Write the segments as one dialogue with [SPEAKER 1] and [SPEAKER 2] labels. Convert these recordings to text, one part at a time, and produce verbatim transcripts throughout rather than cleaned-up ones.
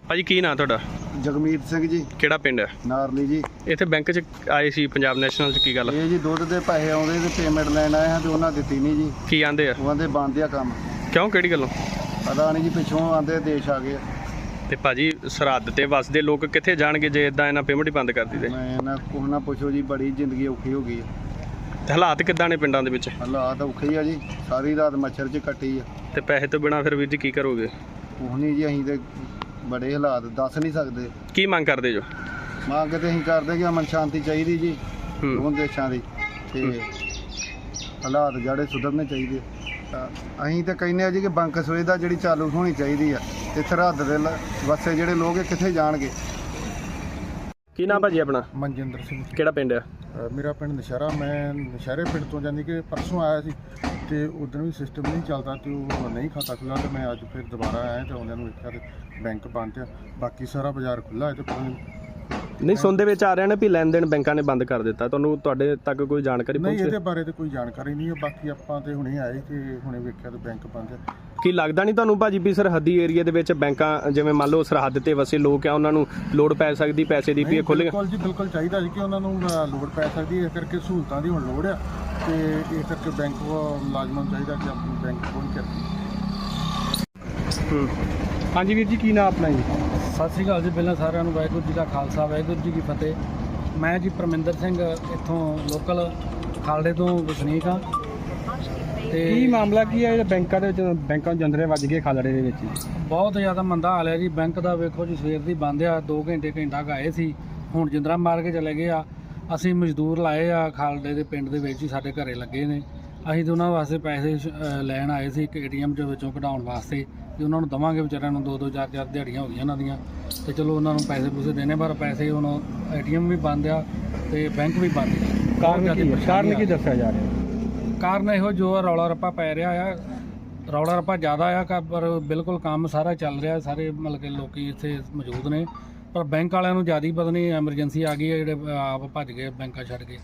[SPEAKER 1] ਭਾਜੀ ਕੀ ਨਾਂ ਤੁਹਾਡਾ?
[SPEAKER 2] ਜਗਮੀਤ ਸਿੰਘ ਜੀ।
[SPEAKER 1] ਕਿਹੜਾ ਪਿੰਡ ਹੈ?
[SPEAKER 2] ਨਾਰਲੀ ਜੀ।
[SPEAKER 1] ਇੱਥੇ ਬੈਂਕ 'ਚ ਆਏ ਸੀ ਪੰਜਾਬ ਨੈਸ਼ਨਲ 'ਚ, ਕੀ ਗੱਲ?
[SPEAKER 2] ਇਹ ਜੀ ਦੁੱਧ ਦੇ ਪੈਸੇ ਆਉਂਦੇ ਤੇ ਪੇਮੈਂਟ ਲੈਣ ਆਏ ਹਾਂ ਤੇ ਉਹਨਾਂ ਦਿੱਤੀ ਨਹੀਂ ਜੀ।
[SPEAKER 1] ਕੀ ਆਂਦੇ ਆ?
[SPEAKER 2] ਉਹਨਾਂ ਦੇ ਬੰਦ ਆ ਕੰਮ।
[SPEAKER 1] ਕਿਉਂ, ਕਿਹੜੀ ਗੱਲੋਂ?
[SPEAKER 2] ਪਤਾ ਨਹੀਂ ਜੀ, ਪਿੱਛੋਂ ਆਂਦੇ ਦੇਸ਼ ਆ ਗਏ।
[SPEAKER 1] ਤੇ ਭਾਜੀ ਸਰਹੱਦ ਤੇ ਵਸਦੇ ਲੋਕ ਕਿੱਥੇ ਜਾਣਗੇ ਜੇ ਇਦਾਂ ਇਹਨਾਂ ਪੇਮੈਂਟ ਹੀ ਬੰਦ ਕਰ ਦਿੱਤੀ?
[SPEAKER 2] ਮੈਂ ਨਾ ਕੁਛ ਨਾ ਪੁੱਛੋ ਜੀ, ਬੜੀ ਜ਼ਿੰਦਗੀ ਔਖੀ ਹੋ ਗਈ ਹੈ।
[SPEAKER 1] ਤੇ ਹਾਲਾਤ ਕਿੱਦਾਂ ਨੇ ਪਿੰਡਾਂ ਦੇ ਵਿੱਚ?
[SPEAKER 2] ਹਾਲਾਤ ਔਖੇ ਹੀ ਆ ਜੀ, ਸਾਰੀ ਰਾਤ ਮੱਛਰ 'ਚ ਕੱਟੀ ਆ।
[SPEAKER 1] ਤੇ ਪੈਸੇ ਤੋਂ ਬਿਨਾਂ ਫਿਰ ਵੀਰ ਜੀ ਕੀ ਕਰੋਗੇ?
[SPEAKER 2] ਕੁਛ ਨਹੀਂ ਜੀ, ਅਸੀਂ ਤੇ ਬੜੇ ਹਾਲਾਤ ਦੱਸ ਨਹੀਂ ਸਕਦੇ।
[SPEAKER 1] ਕੀ ਮੰਗ ਕਰਦੇ ਜੋ?
[SPEAKER 2] ਮੰਗ ਤੇ ਅਸੀਂ ਕਰਦੇ ਕਿ ਅਮਨ ਸ਼ਾਂਤੀ ਚਾਹੀਦੀ ਜੀ ਦੋਵਾਂ ਦੇਸ਼ਾਂ ਦੀ, ਤੇ ਹਾਲਾਤ ਜਿਹੜੇ ਸੁਧਰਨੇ ਚਾਹੀਦੇ। ਤਾਂ ਅਸੀਂ ਤਾਂ ਕਹਿੰਦੇ ਆ ਜੀ ਕਿ ਬੰਕ ਸੁਵਿਧਾ ਜਿਹੜੀ ਚਾਲੂ ਹੋਣੀ ਚਾਹੀਦੀ ਆ। ਤੇ ਸਰਹੱਦ ਦੇ ਲ- ਵਸੇ ਜਿਹੜੇ ਲੋਕ ਇਹ ਕਿੱਥੇ ਜਾਣਗੇ?
[SPEAKER 1] ਕੀ ਨਾਮ ਭਾਜੀ ਆਪਣਾ?
[SPEAKER 2] ਮਨਜਿੰਦਰ ਸਿੰਘ।
[SPEAKER 1] ਕਿਹੜਾ ਪਿੰਡ ਹੈ?
[SPEAKER 2] ਅ, ਮੇਰਾ ਪਿੰਡ ਨਸ਼ਹਿਰਾ। ਮੈਂ ਨਸ਼ਹਿਰੇ ਪਿੰਡ ਤੋਂ ਜਾਨੀ ਕਿ ਪਰਸੋਂ ਆਇਆ ਸੀ ਤੇ ਉਦੋਂ ਵੀ ਸਿਸਟਮ ਨਹੀਂ ਚੱਲਦਾ ਤੇ ਉਹ ਨਹੀਂ ਖਾਤਾ ਖੁੱਲ੍ਹਾ, ਤੇ ਮੈਂ ਅੱਜ ਫਿਰ ਦੁਬਾਰਾ ਆਇਆ ਤੇ ਉਹਨਾਂ ਨੂੰ ਵੇਖਿਆ ਤੇ ਬੈਂਕ ਬੰਦ ਆ। ਬਾਕੀ ਸਾਰਾ ਬਾਜ਼ਾਰ ਖੁੱਲ੍ਹਾ ਹੈ ਤੇ ਪਤਾ ਨਹੀਂ
[SPEAKER 1] ਨਹੀਂ, ਸੁਣਦੇ ਵਿੱਚ ਆ ਰਿਹਾ ਨੇ ਵੀ ਲੈਣ ਦੇਣ ਬੈਂਕਾਂ ਨੇ ਬੰਦ ਕਰ ਦਿੱਤਾ। ਤੁਹਾਨੂੰ ਤੁਹਾਡੇ ਤੱਕ ਕੋਈ ਜਾਣਕਾਰੀ
[SPEAKER 2] ਨਹੀਂ,
[SPEAKER 1] ਪਹੁੰਚੀ?
[SPEAKER 2] ਇਹਦੇ ਬਾਰੇ ਤੇ ਕੋਈ ਜਾਣਕਾਰੀ ਨਹੀਂ ਹੈ। ਬਾਕੀ ਆਪਾਂ ਤੇ ਹੁਣੇ ਆਏ ਤੇ ਹੁਣੇ ਵੇਖਿਆ ਤੇ ਬੈਂਕ ਬੰਦ ਹੈ।
[SPEAKER 1] ਕੀ ਲੱਗਦਾ ਨਹੀਂ ਤੁਹਾਨੂੰ ਭਾਜੀ ਵੀ ਸਰਹੱਦੀ ਏਰੀਆ ਦੇ ਵਿੱਚ ਬੈਂਕਾਂ, ਜਿਵੇਂ ਮੰਨ ਲਓ ਸਰਹੱਦ ਤੇ ਵਸੇ ਲੋਕ ਆ, ਉਹਨਾਂ ਨੂੰ ਲੋੜ ਪੈ ਸਕਦੀ ਪੈਸੇ ਦੀ, ਵੀ ਇਹ ਖੁੱਲ੍ਹ
[SPEAKER 2] ਬਿਲਕੁਲ ਜੀ, ਬਿਲਕੁਲ ਚਾਹੀਦਾ ਜੀ ਕਿ ਉਹਨਾਂ ਨੂੰ ਅ, ਲੋੜ ਪੈ ਸਕਦੀ ਹੈ। ਇਸ ਕਰਕੇ ਸਹੂਲਤਾਂ ਦੀ ਹੁਣ ਲੋੜ ਆ ਤੇ ਇਸ ਕਰਕੇ ਬੈਂਕ ਮੁਲਾਜ਼ਮਾਂ ਨੂੰ ਚਾਹੀਦਾ ਕਿ ਆਪਣੀ ਬੈਂਕ ਖੋਲ੍ਹ ਕੇ ਰੱਖਣ।
[SPEAKER 1] ਹਾਂਜੀ ਵੀਰ ਜੀ, ਕੀ ਨਾਮ ਆਪਣਾ ਜੀ?
[SPEAKER 3] ਸਤਿ ਸ਼੍ਰੀ ਅਕਾਲ ਜੀ। ਪਹਿਲਾਂ ਸਾਰਿਆਂ ਨੂੰ ਵਾਹਿਗੁਰੂ ਜੀ ਦਾ ਖਾਲਸਾ, ਵਾਹਿਗੁਰੂ ਜੀ ਕੀ ਫਤਿਹ। ਮੈਂ ਜੀ ਪਰਮਿੰਦਰ ਸਿੰਘ, ਇੱਥੋਂ ਲੋਕਲ ਖਾਲੜੇ ਤੋਂ ਵਸਨੀਕ ਹਾਂ। ਤੇ
[SPEAKER 1] ਕੀ ਮਾਮਲਾ ਕੀ ਹੈ? ਬੈਂਕਾਂ ਦੇ ਵਿੱਚ ਬੈਂਕਾਂ ਨੂੰ ਜੰਦਰੇ ਵੱਜ ਗਏ ਖਾਲੜੇ ਦੇ ਵਿੱਚ?
[SPEAKER 3] ਬਹੁਤ ਜ਼ਿਆਦਾ ਮੰਦਾ ਹਾਲ ਹੈ ਜੀ ਬੈਂਕ ਦਾ। ਵੇਖੋ ਜੀ, ਸਵੇਰ ਦੀ ਬੰਦ ਆ, ਦੋ ਘੰਟੇ ਘੰਟਾ ਗਾਏ ਸੀ, ਹੁਣ ਜਿੰਦਰਾ ਮਾਰ ਕੇ ਚਲੇ ਗਏ ਆ। ਅਸੀਂ ਮਜ਼ਦੂਰ ਲਾਏ ਆ ਖਾਲੜੇ ਦੇ ਪਿੰਡ ਦੇ ਵਿੱਚ ਹੀ, ਸਾਡੇ ਘਰੇ ਲੱਗੇ ਨੇ। ਅਸੀਂ ਤਾਂ ਉਹਨਾਂ ਵਾਸਤੇ ਪੈਸੇ ਅ, ਲੈਣ ਆਏ ਸੀ, ਇੱਕ ਏ ਟੀ ਐਮ ਦੇ ਵਿੱਚੋਂ ਕਢਾਉਣ ਵਾਸਤੇ, ਤੇ ਉਹਨਾਂ ਨੂੰ ਦੇਵਾਂਗੇ। ਵਿਚਾਰਿਆਂ ਨੂੰ ਦੋ ਦੋ ਚਾਰ ਚਾਰ ਦਿਹਾੜੀਆਂ ਹੋ ਗਈਆਂ ਉਹਨਾਂ ਦੀਆਂ, ਤੇ ਚਲੋ ਉਹਨਾਂ ਨੂੰ ਪੈਸੇ ਪੂਸੇ ਦੇਣੇ, ਪਰ ਪੈਸੇ ਹੁਣ ਏ ਟੀ ਐਮ ਵੀ ਬੰਦ ਆ ਤੇ ਬੈਂਕ ਵੀ ਬੰਦ ਆ।
[SPEAKER 1] ਕਾਰਨ ਕੀ ਹੈ? ਕਾਰਨ ਕੀ ਦੱਸਿਆ ਜਾ ਰਿਹਾ?
[SPEAKER 3] ਕਾਰਨ ਇਹੋ ਜੋ ਆ, ਰੌਲਾ ਰੱਪਾ ਪੈ ਰਿਹਾ ਆ। ਰੌਲਾ ਰੱਪਾ ਜ਼ਿਆਦਾ ਆ ਕ- ਪਰ ਬਿਲਕੁਲ ਕੰਮ ਸਾਰਾ ਚੱਲ ਰਿਹਾ, ਸਾਰੇ ਮਤਲਬ ਕਿ ਲੋਕੀ ਇੱਥੇ ਮੌਜੂਦ ਨੇ, ਪਰ ਬੈਂਕ ਵਾਲਿਆਂ ਨੂੰ ਜ਼ਿਆਦਾ ਹੀ ਪਤਾ ਨਹੀਂ ਐਮਰਜੈਂਸੀ ਆ ਗਈ ਹੈ, ਜਿਹੜੇ ਆਪ ਭੱਜ ਗਏ ਬੈਂਕਾਂ ਛੱਡ ਕੇ।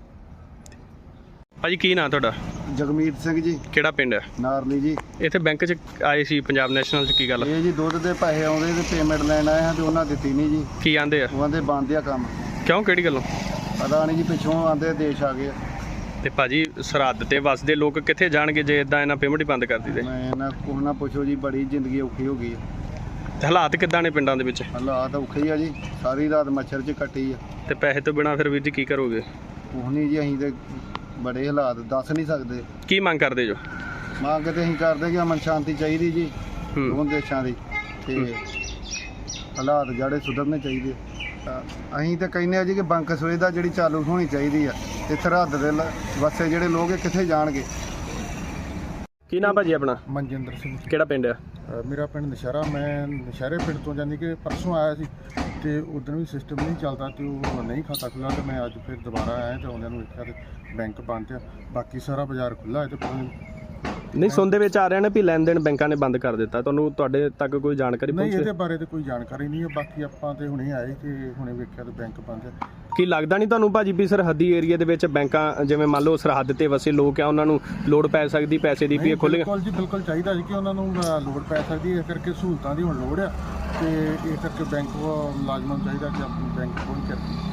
[SPEAKER 1] ਭਾਜੀ ਕੀ ਨਾਂ ਤੁਹਾਡਾ?
[SPEAKER 2] ਜਗਮੀਤ ਸਿੰਘ ਜੀ।
[SPEAKER 1] ਕਿਹੜਾ ਪਿੰਡ ਹੈ?
[SPEAKER 2] ਨਾਰਲੀ ਜੀ।
[SPEAKER 1] ਇੱਥੇ ਬੈਂਕ 'ਚ ਆਏ ਸੀ ਪੰਜਾਬ ਨੈਸ਼ਨਲ 'ਚ, ਕੀ ਗੱਲ?
[SPEAKER 2] ਇਹ ਜੀ ਦੁੱਧ ਦੇ ਪੈਸੇ ਆਉਂਦੇ ਤੇ ਪੇਮੈਂਟ ਲੈਣ ਆਏ ਹਾਂ ਤੇ ਉਹਨਾਂ ਦਿੱਤੀ ਨਹੀਂ ਜੀ।
[SPEAKER 1] ਕੀ ਆਂਦੇ ਆ?
[SPEAKER 2] ਉਹਨਾਂ ਦੇ ਬੰਦ ਆ ਕੰਮ।
[SPEAKER 1] ਕਿਉਂ, ਕਿਹੜੀ ਗੱਲੋਂ?
[SPEAKER 2] ਪਤਾ ਨਹੀਂ ਜੀ, ਪਿੱਛੋਂ ਆਂਦੇ ਦੇਸ਼ ਆ ਗਏ।
[SPEAKER 1] ਤੇ ਭਾਜੀ ਸਰਹੱਦ ਤੇ ਵਸਦੇ ਲੋਕ ਕਿੱਥੇ ਜਾਣਗੇ ਜੇ ਇਦਾਂ ਇਹਨਾਂ ਪੇਮੈਂਟ ਹੀ ਬੰਦ ਕਰ ਦਿੱਤੀ?
[SPEAKER 2] ਮੈਂ ਨਾ ਕੁਛ ਨਾ ਪੁੱਛੋ ਜੀ, ਬੜੀ ਜ਼ਿੰਦਗੀ ਔਖੀ ਹੋ ਗਈ ਹੈ।
[SPEAKER 1] ਤੇ ਹਾਲਾਤ ਕਿੱਦਾਂ ਨੇ ਪਿੰਡਾਂ ਦੇ ਵਿੱਚ?
[SPEAKER 2] ਹਾਲਾਤ ਔਖੇ ਹੀ ਆ ਜੀ, ਸਾਰੀ ਰਾਤ ਮੱਛਰ 'ਚ ਕੱਟੀ ਆ।
[SPEAKER 1] ਤੇ ਪੈਸੇ ਤੋਂ ਬਿਨਾਂ ਫਿਰ ਵੀਰ ਜੀ ਕੀ ਕਰੋਗੇ?
[SPEAKER 2] ਕੁਛ ਨਹੀਂ ਜੀ, ਅਸੀਂ ਤੇ ਬੜੇ ਹਾਲਾਤ ਦੱਸ ਨਹੀਂ ਸਕਦੇ।
[SPEAKER 1] ਕੀ ਮੰਗ ਕਰਦੇ ਜੋ?
[SPEAKER 2] ਮੰਗ ਤੇ ਅਸੀਂ ਕਰਦੇ ਕਿ ਅਮਨ ਸ਼ਾਂਤੀ ਚਾਹੀਦੀ ਜੀ ਦੋਵਾਂ ਦੇਸ਼ਾਂ ਦੀ, ਤੇ ਹਾਲਾਤ ਜਿਹੜੇ ਸੁਧਰਨੇ ਚਾਹੀਦੇ। ਤਾਂ ਅਸੀਂ ਤਾਂ ਕਹਿੰਦੇ ਆ ਜੀ ਕਿ ਬੰਕ ਸੁਵਿਧਾ ਜਿਹੜੀ ਚਾਲੂ ਹੋਣੀ ਚਾਹੀਦੀ ਆ। ਤੇ ਸਰਹੱਦ ਦੇ ਲ- ਵਸੇ ਜਿਹੜੇ ਲੋਕ ਇਹ ਕਿੱਥੇ ਜਾਣਗੇ?
[SPEAKER 1] ਕੀ ਨਾਮ ਭਾਜੀ ਆਪਣਾ?
[SPEAKER 2] ਮਨਜਿੰਦਰ ਸਿੰਘ।
[SPEAKER 1] ਕਿਹੜਾ ਪਿੰਡ ਹੈ?
[SPEAKER 2] ਅ, ਮੇਰਾ ਪਿੰਡ ਨਸ਼ਹਿਰਾ। ਮੈਂ ਨਸ਼ਹਿਰੇ ਪਿੰਡ ਤੋਂ ਜਾਨੀ ਕਿ ਪਰਸੋਂ ਆਇਆ ਸੀ ਤੇ ਉਦੋਂ ਵੀ ਸਿਸਟਮ ਨਹੀਂ ਚੱਲਦਾ ਤੇ ਉਹ ਨਹੀਂ ਖਾਤਾ ਖੁੱਲ੍ਹਾ, ਤੇ ਮੈਂ ਅੱਜ ਫਿਰ ਦੁਬਾਰਾ ਆਇਆ ਤੇ ਉਹਨਾਂ ਨੂੰ ਵੇਖਿਆ ਤੇ ਬੈਂਕ ਬੰਦ ਆ। ਬਾਕੀ ਸਾਰਾ ਬਾਜ਼ਾਰ ਖੁੱਲ੍ਹਾ ਹੈ ਤੇ ਪਤਾ ਨਹੀਂ
[SPEAKER 1] ਨਹੀਂ, ਸੁਣਦੇ ਵਿੱਚ ਆ ਰਿਹਾ ਨੇ ਵੀ ਲੈਣ ਦੇਣ ਬੈਂਕਾਂ ਨੇ ਬੰਦ ਕਰ ਦਿੱਤਾ। ਤੁਹਾਨੂੰ ਤੁਹਾਡੇ ਤੱਕ ਕੋਈ ਜਾਣਕਾਰੀ
[SPEAKER 2] ਨਹੀਂ,
[SPEAKER 1] ਪਹੁੰਚੀ?
[SPEAKER 2] ਇਹਦੇ ਬਾਰੇ ਤੇ ਕੋਈ ਜਾਣਕਾਰੀ ਨਹੀਂ ਹੈ। ਬਾਕੀ ਆਪਾਂ ਤੇ ਹੁਣੇ ਆਏ ਤੇ ਹੁਣੇ ਵੇਖਿਆ ਤੇ ਬੈਂਕ ਬੰਦ ਆ।
[SPEAKER 1] ਕੀ ਲੱਗਦਾ ਨਹੀਂ ਤੁਹਾਨੂੰ ਭਾਜੀ ਵੀ ਸਰਹੱਦੀ ਏਰੀਆ ਦੇ ਵਿੱਚ ਬੈਂਕਾਂ, ਜਿਵੇਂ ਮੰਨ ਲਓ ਸਰਹੱਦ ਤੇ ਵਸੇ ਲੋਕ ਆ, ਉਹਨਾਂ ਨੂੰ ਲੋੜ ਪੈ ਸਕਦੀ ਪੈਸੇ ਦੀ, ਵੀ ਇਹ ਖੁੱਲ੍ਹ?
[SPEAKER 2] ਬਿਲਕੁਲ ਜੀ, ਬਿਲਕੁਲ ਚਾਹੀਦਾ ਜੀ ਕਿ ਉਹਨਾਂ ਨੂੰ ਅ, ਲੋੜ ਪੈ ਸਕਦੀ ਹੈ। ਇਸ ਕਰਕੇ ਸਹੂਲਤਾਂ ਦੀ ਹੁਣ ਲੋੜ ਆ ਤੇ ਇਸ ਕਰਕੇ ਬੈਂਕ ਮੁਲਾਜ਼ਮਾਂ ਨੂੰ ਚਾਹੀਦਾ ਕਿ ਆਪਣੀ ਬੈਂਕ ਖੋਲ੍ਹ ਕੇ ਰੱਖਣ।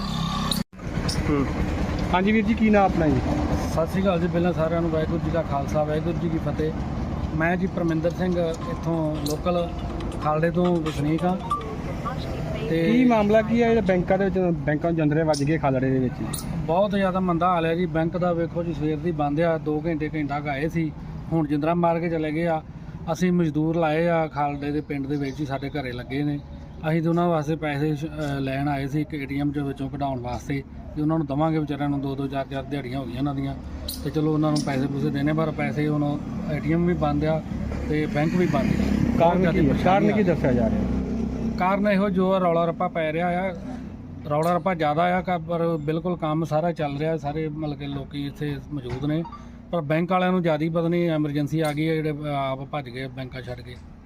[SPEAKER 1] ਹਾਂਜੀ ਵੀਰ ਜੀ, ਕੀ ਨਾਮ ਆਪਣਾ ਜੀ?
[SPEAKER 3] ਸਤਿ ਸ਼੍ਰੀ ਅਕਾਲ ਜੀ। ਪਹਿਲਾਂ ਸਾਰਿਆਂ ਨੂੰ ਵਾਹਿਗੁਰੂ ਜੀ ਦਾ ਖਾਲਸਾ, ਵਾਹਿਗੁਰੂ ਜੀ ਕੀ ਫਤਿਹ। ਮੈਂ ਜੀ ਪਰਮਿੰਦਰ ਸਿੰਘ, ਇੱਥੋਂ ਲੋਕਲ ਖਾਲੜੇ ਤੋਂ ਵਸਨੀਕ ਹਾਂ। ਤੇ
[SPEAKER 1] ਕੀ ਮਾਮਲਾ ਕੀ ਹੈ? ਬੈਂਕਾਂ ਦੇ ਵਿੱਚ ਬੈਂਕਾਂ ਨੂੰ ਜੰਦਰੇ ਵੱਜ ਗਏ ਖਾਲੜੇ ਦੇ ਵਿੱਚ?
[SPEAKER 3] ਬਹੁਤ ਜ਼ਿਆਦਾ ਮੰਦਾ ਹਾਲ ਹੈ ਜੀ ਬੈਂਕ ਦਾ। ਵੇਖੋ ਜੀ, ਸਵੇਰ ਦੀ ਬੰਦ ਆ, ਦੋ ਘੰਟੇ ਘੰਟਾ ਗਾਏ ਸੀ, ਹੁਣ ਜਿੰਦਰਾ ਮਾਰ ਕੇ ਚਲੇ ਗਏ ਆ। ਅਸੀਂ ਮਜ਼ਦੂਰ ਲਾਏ ਆ ਖਾਲੜੇ ਦੇ ਪਿੰਡ ਦੇ ਵਿੱਚ ਹੀ, ਸਾਡੇ ਘਰੇ ਲੱਗੇ ਨੇ। ਅਸੀਂ ਤਾਂ ਉਹਨਾਂ ਵਾਸਤੇ ਪੈਸੇ ਅ, ਲੈਣ ਆਏ ਸੀ, ਇੱਕ ਏ ਟੀ ਐਮ ਦੇ ਵਿੱਚੋਂ ਕਢਾਉਣ ਵਾਸਤੇ, ਤੇ ਉਹਨਾਂ ਨੂੰ ਦੇਵਾਂਗੇ। ਵਿਚਾਰਿਆਂ ਨੂੰ ਦੋ ਦੋ ਚਾਰ ਚਾਰ ਦਿਹਾੜੀਆਂ ਹੋ ਗਈਆਂ ਉਹਨਾਂ ਦੀਆਂ, ਤੇ ਚਲੋ ਉਹਨਾਂ ਨੂੰ ਪੈਸੇ ਪੂਸੇ ਦੇਣੇ, ਪਰ ਪੈਸੇ ਹੁਣ ਏ ਟੀ ਐਮ ਵੀ ਬੰਦ ਆ ਤੇ ਬੈਂਕ ਵੀ ਬੰਦ ਆ।
[SPEAKER 1] ਕਾਰਨ ਕੀ ਹੈ? ਕਾਰਨ ਕੀ ਦੱਸਿਆ ਜਾ ਰਿਹਾ?
[SPEAKER 3] ਕਾਰਨ ਇਹੋ ਜੋ ਆ, ਰੌਲਾ ਰੱਪਾ ਪੈ ਰਿਹਾ ਆ। ਰੌਲਾ ਰੱਪਾ ਜ਼ਿਆਦਾ ਆ ਕ- ਪਰ ਬਿਲਕੁਲ ਕੰਮ ਸਾਰਾ ਚੱਲ ਰਿਹਾ, ਸਾਰੇ ਮਤਲਬ ਕਿ ਲੋਕੀ ਇੱਥੇ ਮੌਜੂਦ ਨੇ, ਪਰ ਬੈਂਕ ਵਾਲਿਆਂ ਨੂੰ ਜ਼ਿਆਦਾ ਹੀ ਪਤਾ ਨਹੀਂ ਐਮਰਜੈਂਸੀ ਆ ਗਈ ਹੈ, ਜਿਹੜੇ ਆਪ ਭੱਜ ਗਏ ਬੈਂਕਾਂ ਛੱਡ ਕੇ।